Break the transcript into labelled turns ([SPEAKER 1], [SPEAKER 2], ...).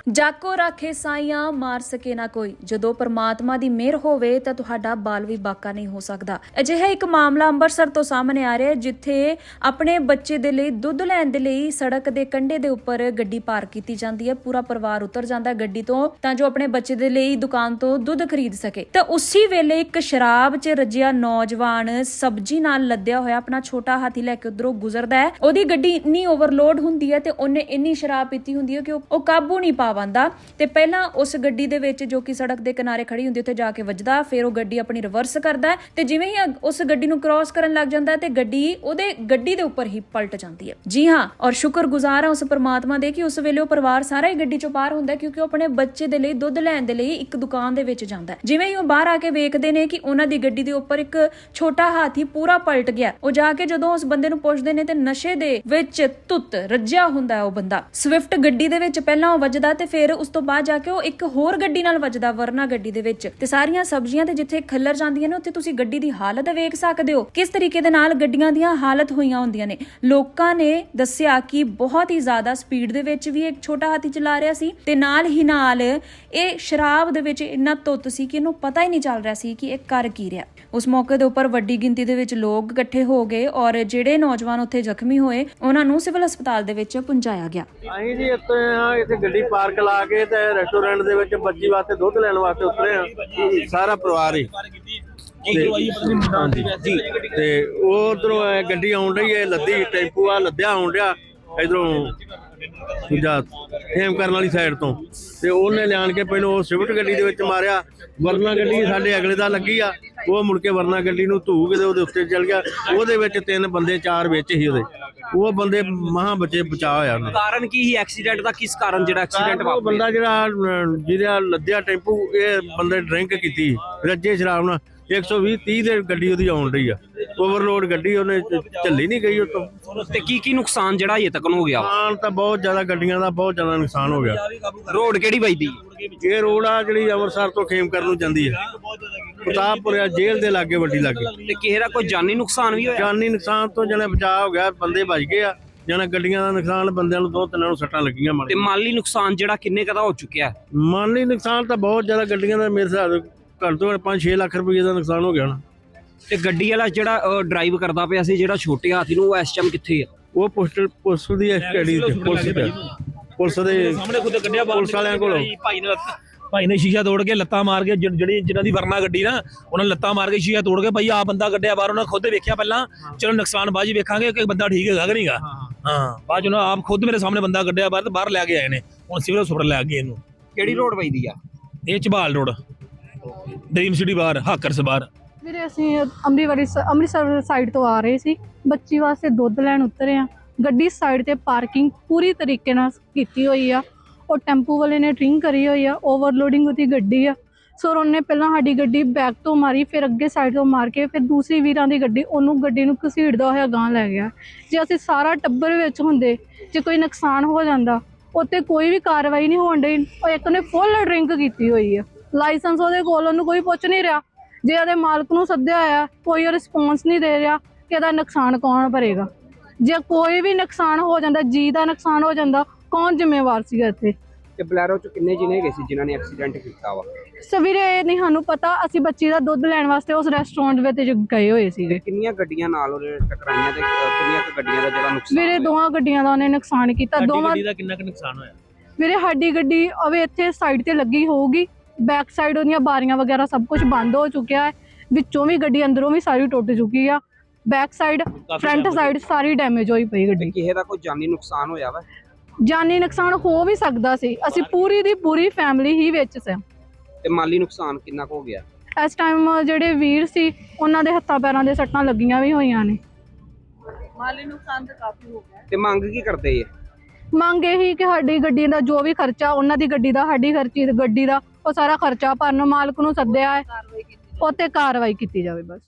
[SPEAKER 1] ਜਾਕੋ ਰਾਖੇ ਸਾਈਆਂ ਮਾਰ ਸਕੇ ਨਾ ਕੋਈ। ਜਦੋਂ ਪਰਮਾਤਮਾ ਦੀ ਮਿਹਰ ਹੋਵੇ ਤਾਂ ਤੁਹਾਡਾ ਬਾਲ ਵੀ ਬਾਕਾ ਨਹੀਂ ਹੋ ਸਕਦਾ। ਅਜਿਹਾ ਇੱਕ ਮਾਮਲਾ ਅੰਮ੍ਰਿਤਸਰ ਤੋਂ ਸਾਹਮਣੇ ਆ ਰਿਹਾ ਹੈ, ਜਿੱਥੇ ਆਪਣੇ ਬੱਚੇ ਦੇ ਲਈ ਦੁੱਧ ਲੈਣ ਦੇ ਲਈ ਸੜਕ ਦੇ ਕੰਢੇ ਦੇ ਉੱਪਰ ਗੱਡੀ ਪਾਰਕ ਕੀਤੀ ਜਾਂਦੀ ਹੈ। ਪੂਰਾ ਪਰਿਵਾਰ ਉਤਰ ਜਾਂਦਾ ਗੱਡੀ ਤੋਂ ਤਾਂ ਜੋ ਆਪਣੇ ਬੱਚੇ ਦੇ ਲਈ ਦੁਕਾਨ ਤੋਂ ਦੁੱਧ ਖਰੀਦ ਸਕੇ। ਤਾਂ ਉਸੇ ਵੇਲੇ ਇੱਕ ਸ਼ਰਾਬ 'ਚ ਰੱਜਿਆ ਨੌਜਵਾਨ ਸਬਜ਼ੀ ਨਾਲ ਲੱਦਿਆ ਹੋਇਆ ਆਪਣਾ ਛੋਟਾ ਹਾਥੀ ਲੈ ਕੇ ਉਧਰੋਂ ਗੁਜ਼ਰਦਾ ਹੈ। ਉਹਦੀ ਗੱਡੀ ਇੰਨੀ ਓਵਰਲੋਡ ਹੁੰਦੀ ਹੈ ਤੇ ਉਹਨੇ ਇੰਨੀ ਸ਼ਰਾਬ ਪੀਤੀ ਹੁੰਦੀ ਹੈ ਕਿ ਉਹ ਕਾਬੂ ਨਹੀਂ ਪਾ ਪਾਉਂਦਾ ਤੇ ਪਹਿਲਾਂ ਉਸ ਗੱਡੀ ਦੇ ਵਿੱਚ ਜੋ ਕਿ ਸੜਕ ਦੇ ਕਿਨਾਰੇ ਖੜੀ ਹੁੰਦੀ ਉੱਥੇ ਜਾ ਕੇ ਵੱਜਦਾ। ਫਿਰ ਉਹ ਗੱਡੀ ਆਪਣੀ ਰਿਵਰਸ ਕਰਦਾ ਤੇ ਜਿਵੇਂ ਹੀ ਉਸ ਗੱਡੀ ਨੂੰ ਕ੍ਰਾਸ ਕਰਨ ਲੱਗ ਜਾਂਦਾ ਤੇ ਉਹਦੇ ਗੱਡੀ ਦੇ ਉੱਪਰ ਹੀ ਪਲਟ ਜਾਂਦੀ ਹੈ। ਜੀ ਹਾਂ, ਔਰ ਸ਼ੁਕਰਗੁਜ਼ਾਰ ਹਾਂ ਉਸ ਪਰਮਾਤਮਾ ਦੇ ਕਿ ਉਸ ਵੇਲੇ ਉਹ ਪਰਿਵਾਰ ਸਾਰਾ ਹੀ ਗੱਡੀ ਚੋਂ ਬਾਹਰ ਹੁੰਦਾ, ਕਿਉਂਕਿ ਉਹ ਆਪਣੇ ਬੱਚੇ ਦੇ ਲਈ ਦੁੱਧ ਲੈਣ ਦੇ ਲਈ ਇੱਕ ਦੁਕਾਨ ਦੇ ਵਿੱਚ ਜਾਂਦਾ। ਜਿਵੇਂ ਹੀ ਉਹ ਬਾਹਰ ਆ ਕੇ ਵੇਖਦੇ ਨੇ ਕਿ ਉਹਨਾਂ ਦੀ ਗੱਡੀ ਦੇ ਉੱਪਰ ਇੱਕ ਛੋਟਾ ਹਾਥੀ ਪੂਰਾ ਪਲਟ ਗਿਆ। ਉਹ ਜਾ ਕੇ ਜਦੋਂ ਉਸ ਬੰਦੇ ਨੂੰ ਪੁੱਛਦੇ ਨੇ ਤੇ ਨਸ਼ੇ ਦੇ ਵਿੱਚ ਧੁੱਤ ਰੱਜਿਆ ਹੁੰਦਾ ਉਹ ਬੰਦਾ। ਸਵਿਫਟ ਗੱਡੀ ਦੇ ਵਿੱਚ ਪਹਿਲਾਂ ਉਹ ਵੱਜਦਾ ਤੇ ਫਿਰ ਉਸ ਤੋਂ ਬਾਅਦ ਜਾ ਕੇ ਉਹ ਇੱਕ ਹੋਰ ਗੱਡੀ ਨਾਲ ਵੱਜਦਾ, ਵਰਨਾ ਗੱਡੀ ਦੇ ਵਿੱਚ। ਤੇ ਸਾਰੀਆਂ ਸਬਜ਼ੀਆਂ ਤੇ ਜਿੱਥੇ ਖੱਲਰ ਜਾਂਦੀਆਂ ਨੇ ਉੱਥੇ ਤੁਸੀਂ ਗੱਡੀ ਦੀ ਹਾਲਤ ਵੇਖ ਸਕਦੇ ਹੋ, ਕਿਸ ਤਰੀਕੇ ਦੇ ਨਾਲ ਗੱਡੀਆਂ ਦੀਆਂ ਹਾਲਤ ਹੋਈਆਂ ਹੁੰਦੀਆਂ ਨੇ। ਲੋਕਾਂ ਨੇ ਦੱਸਿਆ ਕਿ ਬਹੁਤ ਹੀ ਜ਼ਿਆਦਾ ਸਪੀਡ ਦੇ ਵਿੱਚ ਵੀ ਇੱਕ ਛੋਟਾ ਹਾਥੀ ਚਲਾ ਰਿਹਾ ਸੀ ਤੇ ਨਾਲ ਹੀ ਨਾਲ ਇਹ ਸ਼ਰਾਬ ਦੇ ਵਿੱਚ ਇੰਨਾ ਧੁੱਤ ਸੀ ਕਿ ਇਹਨੂੰ ਪਤਾ ਹੀ ਨਹੀਂ ਚੱਲ ਰਿਹਾ ਸੀ ਕਿ ਇਹ ਕਰ ਕੀ ਰਿਹਾ। ਉਸ ਮੌਕੇ ਦੇ ਉੱਪਰ ਵੱਡੀ ਗਿਣਤੀ ਦੇ ਵਿੱਚ ਲੋਕ ਇਕੱਠੇ ਹੋ ਗਏ ਔਰ ਜਿਹੜੇ ਨੌਜਵਾਨ ਉੱਥੇ ਜ਼ਖਮੀ ਹੋਏ ਉਹਨਾਂ ਨੂੰ ਸਿਵਲ ਹਸਪਤਾਲ ਦੇ ਵਿੱਚ ਪਹੁੰਚਾਇਆ ਗਿਆ।
[SPEAKER 2] ਅਸੀਂ ਜੀ ਇੱਥੇ ਗੱਡੀ ਪਾਰਕ ਲਾ ਕੇ ਤੇ ਰੈਸਟੋਰੈਂਟ ਦੇ ਵਿੱਚ ਬੱਚੀ ਵਾਸਤੇ ਦੁੱਧ ਲੈਣ ਵਾਸਤੇ ਉਤਰੇ ਆ, ਸਾਰਾ ਪਰਿਵਾਰ ਹੀ। ਤੇ ਉਹ ਉਧਰੋਂ ਗੱਡੀ ਆਉਣ ਰਹੀ ਹੈ, ਲੱਦੀ ਟੈਂਪੂ ਆ ਲੱਦਿਆ ਆਉਣ ਰਿਹਾ ਇਧਰੋਂ ਦੂਜਾ ਫੇਮ ਕਰਨ ਵਾਲੀ ਸਾਈਡ ਤੋਂ, ਤੇ ਉਹਨੇ ਲਿਆਣ ਕੇ ਪਹਿਲਾਂ ਉਹ ਸਵਿਫਟ ਗੱਡੀ ਦੇ ਵਿੱਚ ਮਾਰਿਆ। ਵਰਨਾ ਗੱਡੀ ਸਾਡੇ ਅਗਲੇ ਦਾ ਲੱਗੀ ਆ, ਉਹ ਮੁੜ ਕੇ ਵਰਨਾ ਗੱਡੀ ਨੂੰ ਧੂ ਕੇ ਉਹਦੇ ਉੱਤੇ ਚੱਲ ਗਿਆ। ਉਹਦੇ ਵਿੱਚ 3 ਬੰਦੇ 4 ਵਿੱਚ ਹੀ ਉਹਦੇ, ਉਹ ਬੰਦੇ ਮਹਾਂ ਬੱਚੇ ਬਚਾ ਹੋਇਆ ਉਹਨਾਂ ਦਾ।
[SPEAKER 3] ਕਾਰਨ ਕੀ ਸੀ ਐਕਸੀਡੈਂਟ ਦਾ? ਕਿਸ ਕਾਰਨ ਜਿਹੜਾ ਐਕਸੀਡੈਂਟ ਵਾਪਰਿਆ?
[SPEAKER 2] ਬੰਦਾ ਜਿਹਦਾ ਲੱਦਿਆ ਟੈਂਪੂ, ਇਹ ਬੰਦੇ ਡਰਿੰਕ ਕੀਤੀ ਰੱਜੇ ਸ਼ਰਾਬ ਨਾਲ। 120-30 ਦੇ ਗੱਡੀ ਉਹਦੀ ਆਉਣ ਰਹੀ ਆ, ਓਵਰਲੋਡ ਗੱਡੀ, ਉਹਨੇ ਝੱਲੀ ਨਹੀਂ ਗਈ ਉਤੋਂ।
[SPEAKER 3] ਤੇ ਕੀ ਨੁਕਸਾਨ ਜਿਹੜਾ ਹਜੇ ਤੱਕ ਹੋ ਗਿਆ?
[SPEAKER 2] ਨੁਕਸਾਨ ਤਾਂ ਬਹੁਤ ਜ਼ਿਆਦਾ, ਗੱਡੀਆਂ ਦਾ ਬਹੁਤ ਜ਼ਿਆਦਾ ਨੁਕਸਾਨ ਹੋ ਗਿਆ।
[SPEAKER 3] ਰੋਡ ਕਿਹੜੀ ਵੱਜਦੀ?
[SPEAKER 2] ਇਹ ਰੋਡ ਆ ਜਿਹੜੀ ਅੰਮ੍ਰਿਤਸਰ ਤੋਂ ਖੇਮਕਰ ਨੂੰ ਜਾਂਦੀ ਹੈ, ਪ੍ਰਤਾਪਪੁਰਿਆ ਜੇਲ੍ਹ ਦੇ ਲਾਗੇ, ਵੱਡੀ ਲਾਗੇ।
[SPEAKER 3] ਤੇ ਕਿਸੇ ਦਾ ਕੋਈ ਜਾਨੀ ਨੁਕਸਾਨ ਵੀ ਹੋਇਆ?
[SPEAKER 2] ਜਾਨੀ ਨੁਕਸਾਨ ਤੋਂ ਜਣੇ ਬਚਾਅ ਹੋ ਗਿਆ, ਬੰਦੇ ਬਚ ਗਏ ਆ। ਜਣਾ ਗੱਡੀਆਂ ਦਾ ਨੁਕਸਾਨ, ਬੰਦਿਆਂ ਨੂੰ 2-3 ਨੂੰ ਸੱਟਾਂ ਲੱਗੀਆਂ।
[SPEAKER 3] ਤੇ ਮਾਲੀ ਨੁਕਸਾਨ ਜਿਹੜਾ ਕਿੰਨੇ ਕਦਾ ਹੋ ਚੁੱਕਿਆ?
[SPEAKER 2] ਮਾਲੀ ਨੁਕਸਾਨ ਤਾਂ ਬਹੁਤ ਜ਼ਿਆਦਾ, ਗੱਡੀਆਂ ਦਾ ਮੇਰੇ ਹਿਸਾਬ ਘੱਟ ਤੋਂ ਘੱਟ 5-6 ਲੱਖ ਰੁਪਏ ਦਾ ਨੁਕਸਾਨ ਹੋ ਗਿਆ ਨਾ।
[SPEAKER 3] ਤੇ ਗੱਡੀ ਵਾਲਾ ਜਿਹੜਾ ਡਰਾਈਵ ਕਰਦਾ ਪਿਆ ਸੀ, ਜਿਹੜਾ ਛੋਟੇ ਹਾਥੀ ਨੂੰ, ਉਹ ਇਸ ਟਾਈਮ ਕਿੱਥੇ ਆ?
[SPEAKER 2] ਉਹ ਪੁਲਿਸ ਦੀ ਸਟੱਡੀ ਤੇ, ਪੁਲਿਸ ਦੇ
[SPEAKER 4] ਸਾਹਮਣੇ ਖੁਦ ਕੱਢਿਆ
[SPEAKER 2] ਪੁਲਿਸ ਵਾਲਿਆਂ ਕੋਲੋਂ।
[SPEAKER 4] ਭਾਈ ਨੇ ਸ਼ੀਸ਼ਾ ਤੋੜ ਕੇ ਲੱਤਾਂ ਮਾਰ ਕੇ, ਜਿਹਨਾਂ ਦੀ ਵਰਨਾ ਗੱਡੀ ਨਾ, ਉਹਨਾਂ ਨੇ ਲੱਤਾਂ ਮਾਰ ਕੇ ਸ਼ੀਸ਼ਾ ਤੋੜ ਕੇ, ਭਾਈ ਆ ਬੰਦਾ ਕੱਢਿਆ ਬਾਹਰ। ਉਹਨਾਂ ਖੁਦ ਵੇਖਿਆ ਪਹਿਲਾਂ, ਚਲੋ ਨੁਕਸਾਨ ਬਾਅਦ ਵੇਖਾਂਗੇ ਕਿ ਬੰਦਾ ਠੀਕ ਹੈਗਾ ਕਿ ਨਹੀਂਗਾ। ਹਾਂ, ਬਾਅਦ ਉਹਨਾਂ ਆਪ ਖੁਦ ਮੇਰੇ ਸਾਹਮਣੇ ਬੰਦਾ ਕੱਢਿਆ ਬਾਹਰ ਲੈ ਕੇ ਆਏ ਨੇ, ਹੁਣ ਸਿਵਲ ਹਸਪਤਾਲ ਲੈ ਗਏ ਇਹਨੂੰ।
[SPEAKER 3] ਕਿਹੜੀ ਰੋਡ ਵੱਜਦੀ ਆ?
[SPEAKER 4] ਇਹ ਝਬਾਲ ਰੋਡ, ਡ੍ਰੀਮ ਸਿਟੀ ਬਾਹਰ, ਹਾਕਰਸ ਬਾਹਰ।
[SPEAKER 5] ਵੀਰੇ ਅਸੀਂ ਅੰਮ੍ਰਿਤਸਰ ਸਾਈਡ ਤੋਂ ਆ ਰਹੇ ਸੀ, ਬੱਚੀ ਵਾਸਤੇ ਦੁੱਧ ਲੈਣ ਉਤਰੇ ਆ। ਗੱਡੀ ਸਾਈਡ ਤੇ ਪਾਰਕਿੰਗ ਪੂਰੀ ਤਰੀਕੇ ਨਾਲ ਕੀਤੀ ਹੋਈ ਆ। ਉਹ ਟੈਂਪੂ ਵਾਲੇ ਨੇ ਡਰਿੰਕ ਕਰੀ ਹੋਈ ਆ, ਓਵਰਲੋਡਿੰਗ ਉਹਦੀ ਗੱਡੀ ਆ। ਸੋ ਉਹਨੇ ਪਹਿਲਾਂ ਸਾਡੀ ਗੱਡੀ ਬੈਕ ਤੋਂ ਮਾਰੀ, ਫਿਰ ਅੱਗੇ ਸਾਈਡ ਤੋਂ ਮਾਰ ਕੇ ਫਿਰ ਦੂਸਰੀ ਵੀਰਾਂ ਦੀ ਗੱਡੀ ਨੂੰ ਘਸੀੜਦਾ ਹੋਇਆ ਗਾਂਹ ਲੈ ਗਿਆ। ਜੇ ਅਸੀਂ ਸਾਰਾ ਟੱਬਰ ਵਿੱਚ ਹੁੰਦੇ, ਜੇ ਕੋਈ ਨੁਕਸਾਨ ਹੋ ਜਾਂਦਾ, ਉੱਤੇ ਕੋਈ ਵੀ ਕਾਰਵਾਈ ਨਹੀਂ ਹੋਣ ਡਈ। ਉਹ ਇੱਕ ਨੇ ਫੁੱਲ ਡਰਿੰਕ ਕੀਤੀ ਹੋਈ ਆ, ਲਾਇਸੈਂਸ ਉਹਦੇ ਕੋਲ, ਉਹਨੂੰ ਕੋਈ ਪੁੱਛ ਨਹੀਂ ਰਿਹਾ। ਜੇ ਉਹਦੇ ਮਾਲਕ ਨੂੰ ਸੱਦਿਆ ਹੋਇਆ, ਕੋਈ ਰਿਸਪੌਂਸ ਨਹੀਂ ਦੇ ਰਿਹਾ ਕਿ ਇਹਦਾ ਨੁਕਸਾਨ ਕੌਣ ਭਰੇਗਾ। ਜੇ ਕੋਈ ਵੀ ਨੁਕਸਾਨ ਹੋ ਜਾਂਦਾ, ਜੀ ਦਾ ਨੁਕਸਾਨ ਹੋ ਜਾਂਦਾ, ਕੌਣ ਜ਼ਿੰਮੇਵਾਰ ਸੀਗਾ ਇੱਥੇ?
[SPEAKER 3] ਤੇ ਬਲੈਰੋ ਚ ਕਿੰਨੇ ਜਿਨੇ ਗਏ ਸੀ ਜਿਨ੍ਹਾਂ ਨੇ ਐਕਸੀਡੈਂਟ ਕੀਤਾ ਵਾ?
[SPEAKER 5] ਸਵੇਰੇ ਇਹ ਨਹੀਂ ਸਾਨੂੰ ਪਤਾ, ਅਸੀਂ ਬੱਚੀ ਦਾ ਦੁੱਧ ਲੈਣ ਵਾਸਤੇ ਉਸ ਰੈਸਟੋਰੈਂਟ ਵਿੱਚ ਗਏ ਹੋਏ ਸੀਗੇ।
[SPEAKER 3] ਕਿੰਨੀਆਂ ਗੱਡੀਆਂ ਨਾਲ ਉਹਨੇ ਟਕਰਾਈਆਂ ਤੇ ਕਿੰਨੀਆਂ ਗੱਡੀਆਂ ਦਾ ਜਿਹੜਾ ਨੁਕਸਾਨ?
[SPEAKER 5] ਵੀਰੇ 2 ਗੱਡੀਆਂ ਦਾ ਉਹਨੇ ਨੁਕਸਾਨ ਕੀਤਾ। ਦੋਵਾਂ
[SPEAKER 4] ਦਾ ਕਿੰਨਾ ਕੁ ਨੁਕਸਾਨ ਹੋਇਆ?
[SPEAKER 5] ਵੀਰੇ ਸਾਡੀ ਗੱਡੀ ਅਵੇ ਇੱਥੇ ਸਾਈਡ ਤੇ ਲੱਗੀ ਹੋਊਗੀ, ਬੈਕ ਸਾਈਡ ਉਹਦੀਆਂ ਬਾਰੀਆਂ ਵਗੈਰਾ ਸਭ ਕੁਝ ਬੰਦ ਹੋ ਚੁੱਕਿਆ ਹੈ, ਵਿੱਚੋਂ ਵੀ ਗੱਡੀ ਅੰਦਰੋਂ ਵੀ ਸਾਰੀ ਟੁੱਟ ਚੁੱਕੀ ਆ। ਬੈਕ ਸਾਈਡ, ਫਰੰਟ ਸਾਈਡ ਸਾਰੀ ਡੈਮੇਜ ਹੋਈ ਪਈ ਗੱਡੀ।
[SPEAKER 3] ਕਿਸੇ ਦਾ ਕੋਈ ਜਾਨੀ ਨੁਕਸਾਨ ਹੋਇਆ ਵਾ?
[SPEAKER 5] ਜਾਨੀ ਨੁਕਸਾਨ ਹੋ ਵੀ ਸਕਦਾ ਸੀ, ਅਸੀਂ ਪੂਰੀ ਦੀ ਪੂਰੀ ਫੈਮਿਲੀ ਹੀ ਵਿੱਚ ਸੀ।
[SPEAKER 3] ਤੇ ਮਾਲੀ ਨੁਕਸਾਨ ਕਿੰਨਾ ਕੁ ਹੋ ਗਿਆ?
[SPEAKER 5] ਇਸ ਟਾਈਮ ਜਿਹੜੇ ਵੀਰ ਸੀ ਉਹਨਾਂ ਦੇ ਹੱਥਾਂ ਪੈਰਾਂ ਦੇ ਸੱਟਾਂ ਲੱਗੀਆਂ ਵੀ ਹੋਈਆਂ ਨੇ।
[SPEAKER 6] ਮਾਲੀ ਨੁਕਸਾਨ ਤਾਂ ਕਾਫੀ ਹੋ ਗਿਆ।
[SPEAKER 3] ਤੇ ਮੰਗ ਕੀ ਕਰਦੇ ਆ?
[SPEAKER 5] ਮੰਗ ਇਹੀ ਕਿ ਸਾਡੀ ਗੱਡੀ ਦਾ ਜੋ ਵੀ ਖਰਚਾ, ਉਹਨਾਂ ਦੀ ਗੱਡੀ ਦਾ, ਸਾਡੀ ਗੱਡੀ ਦਾ, ਉਹ ਸਾਰਾ ਖਰਚਾ ਭਰਨ। ਮਾਲਕ ਨੂੰ ਸੱਦਿਆ ਹੈ, ਉਹ ਤੇ ਕਾਰਵਾਈ ਕੀਤੀ ਜਾਵੇ ਬਸ।